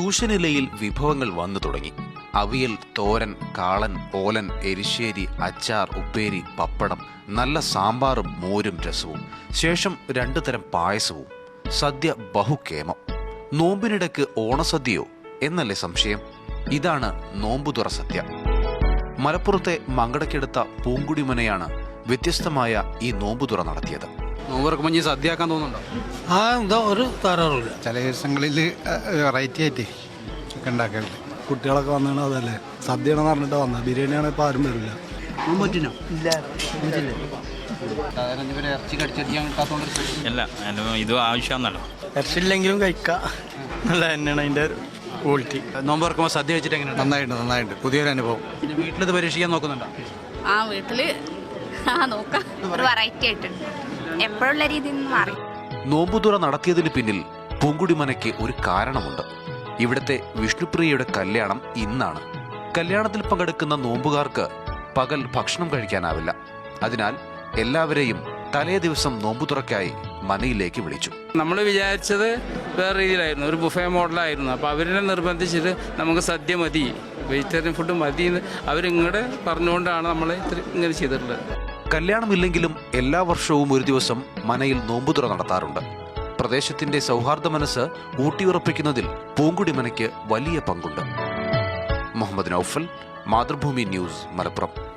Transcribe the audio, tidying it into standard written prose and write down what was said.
ട്യൂഷനിലയിൽ വിഭവങ്ങൾ വന്നു തുടങ്ങി. അവിയൽ, തോരൻ, കാളൻ, ഓലൻ, എരിശ്ശേരി, അച്ചാർ, ഉപ്പേരി, പപ്പടം, നല്ല സാമ്പാറും മോരും രസവും, ശേഷം 2 തരം പായസവും. സദ്യ ബഹുക്കേമം. നോമ്പിനിടയ്ക്ക് ഓണസദ്യയോ എന്നല്ലേ സംശയം? ഇതാണ് നോമ്പുതുറ സദ്യ. മലപ്പുറത്തെ മങ്കടക്കെടുത്ത പൂങ്കുടിമനയാണ് വ്യത്യസ്തമായ ഈ നോമ്പുതുറ നടത്തിയത്. നോമ്പ് സദ്യയാക്കാൻ തോന്നുന്നുണ്ടോ? എന്തോ ഒരു തരാറില്ല. ചില ദിവസങ്ങളിൽ വെറൈറ്റി ആയിട്ട് ഒക്കെ ഉണ്ടാക്കലുണ്ട്. കുട്ടികളൊക്കെ വന്നാണ് അതല്ലേ സദ്യയാണെന്ന് പറഞ്ഞിട്ട് വന്നത്. ബിരിയാണിയാണ് ഇപ്പോൾ ആരും വരില്ല. അല്ല ഇത് ആവശ്യമാണല്ലോ. ഇറച്ചില്ലെങ്കിലും കഴിക്കാം. നല്ല തന്നെയാണ് അതിൻ്റെ ക്വാളിറ്റി. നോമ്പ് തുറക്കുമ്പോൾ സദ്യ വെച്ചിട്ട് എങ്ങനെയാണ്? നന്നായിട്ട് പുതിയൊരു അനുഭവം. പിന്നെ വീട്ടിലിത് പരീക്ഷിക്കാൻ നോക്കുന്നുണ്ടോ? വീട്ടില് നോക്കാം. ഒരു വെറൈറ്റി ആയിട്ടുണ്ട്, എപ്പോഴുള്ള രീതിയിൽ നിന്ന് മാറി. നോമ്പുതുറ നടത്തിയതിന് പിന്നിൽ പൂങ്കുടിമനയ്ക്ക് ഒരു കാരണമുണ്ട്. ഇവിടുത്തെ വിഷ്ണുപ്രിയയുടെ കല്യാണം ഇന്നാണ്. കല്യാണത്തിൽ പങ്കെടുക്കുന്ന നോമ്പുകാർക്ക് പകൽ ഭക്ഷണം കഴിക്കാനാവില്ല. അതിനാൽ എല്ലാവരെയും തലേ ദിവസം നോമ്പുതുറക്കായി മനയിലേക്ക് വിളിച്ചു. നമ്മൾ വിചാരിച്ചത് വേറെ രീതിയിലായിരുന്നു, ഒരു ബുഫേ മോഡലായിരുന്നു. അപ്പോൾ അവരെ നിർബന്ധിച്ചിട്ട് നമുക്ക് സദ്യ മതി, വെജിറ്റേറിയൻ ഫുഡ് മതി എന്ന് അവരിങ്ങോട്ട് പറഞ്ഞുകൊണ്ടാണ് നമ്മൾ ഇങ്ങനെ ചെയ്തിട്ടുള്ളത്. കല്യാണമില്ലെങ്കിലും എല്ലാ വർഷവും ഒരു ദിവസം മനയിൽ നോമ്പുതുറ നടത്താറുണ്ട്. പ്രദേശത്തിന്റെ സൗഹാർദ്ദ മനസ്സ് ഊട്ടിയുറപ്പിക്കുന്നതിൽ പൂങ്കുടിമനയ്ക്ക് വലിയ പങ്കുണ്ട്. മുഹമ്മദ് നൌഫൽ, മാതൃഭൂമി ന്യൂസ്, മലപ്പുറം.